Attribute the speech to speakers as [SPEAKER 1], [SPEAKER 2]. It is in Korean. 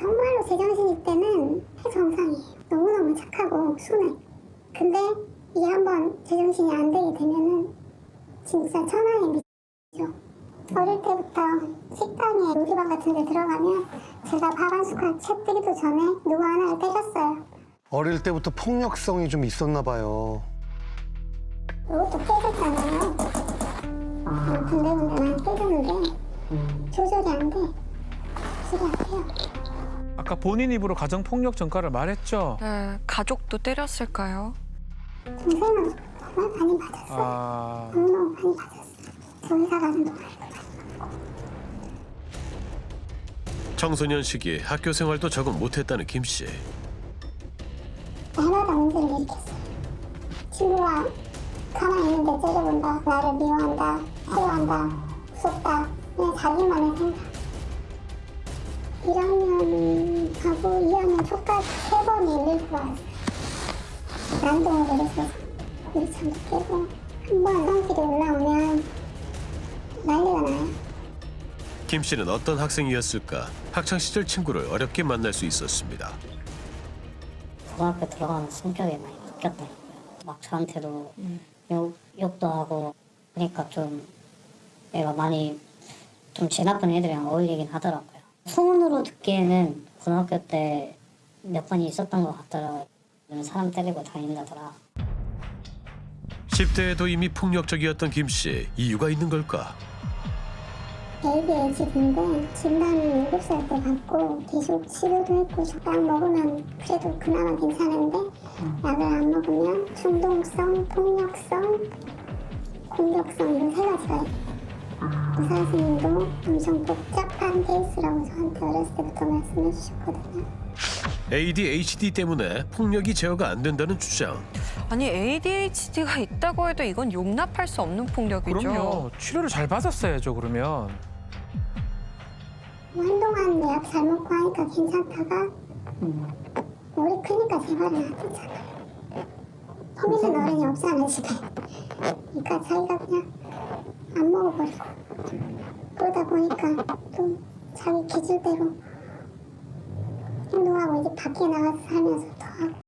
[SPEAKER 1] 정말로 제정신일 때는 정상이에요. 너무너무 착하고 순해. 근데 이게 한번 제정신이 안 되게 되면은 진짜 천하의 미죠. 어릴 때부터 식당에 요리방 같은 데 들어가면 제가 밥 한 숟갈 채 뜨기도 전에 누구 하나를 때렸어요.
[SPEAKER 2] 어릴 때부터 폭력성이 좀 있었나 봐요.
[SPEAKER 1] 이것도 깨졌잖아요. 군데군데 난 깨졌는데 조절이 안 돼. 조절이 안 돼요.
[SPEAKER 3] 아까 본인 입으로 가정폭력 전과를 말했죠?
[SPEAKER 4] 네, 가족도 때렸을까요?
[SPEAKER 1] 동생은 정말 많이 맞았어요. 너무너무 많이 맞았어요. 저 회사 가는 동안.
[SPEAKER 5] 청소년 시기에 학교 생활도 적응 못했다는 김 씨.
[SPEAKER 1] 해마다 문제를 일으켰어요. 친구가 가만히 있는데 째려본다. 나를 미워한다. 싫어한다. 무섭다. 그냥 자기만의 생각. 1학년하고 2학년 초까지 3번이 일일고 왔어요. 난동을 내려서 유리창도 깨고 한 번 성질이 올라오면 난리가 나요.
[SPEAKER 5] 김 씨는 어떤 학생이었을까? 학창 시절 친구를 어렵게 만날 수 있었습니다.
[SPEAKER 6] 고등학교 들어가면 성격이 많이 바뀌었더라고요. 막 저한테도 욕도 하고 그러니까 좀 애가 많이 좀 제 나쁜 애들이랑 어울리긴 하더라고요. 소문으로 듣기에는 고등학교 때 몇 번이 있었던 것 같더라고요. 사람 때리고 다닌다더라.
[SPEAKER 5] 10대에도 이미 폭력적이었던 김 씨. 이유가 있는 걸까?
[SPEAKER 1] ADHD인데 진단은 7살 때 받고 계속 치료도 했고 약 먹으면 그래도 그나마 괜찮은데 약을 안 먹으면 충동성, 폭력성, 공격성 이런 3가지가 있어요. 의사 선생님도 엄청 복잡한 케이스라고 저한테 어렸을 때부터 말씀해 주셨거든요.
[SPEAKER 5] ADHD 때문에 폭력이 제어가 안 된다는 주장.
[SPEAKER 4] 아니 ADHD가 있다고 해도 이건 용납할 수 없는 폭력이죠.
[SPEAKER 3] 그럼요. 치료를 잘 받았어야죠, 그러면.
[SPEAKER 1] 한동안 약 잘 먹고 하니까 괜찮다가 우리 크니까 재발이 나왔잖아요. 퍼미는 어른이 없잖아 집에. 그러니까 자기가 그냥 안 먹어버리고 그러다 보니까 또 자기 기질대로 행동하고 이제 밖에 나가서 살면서 더 하고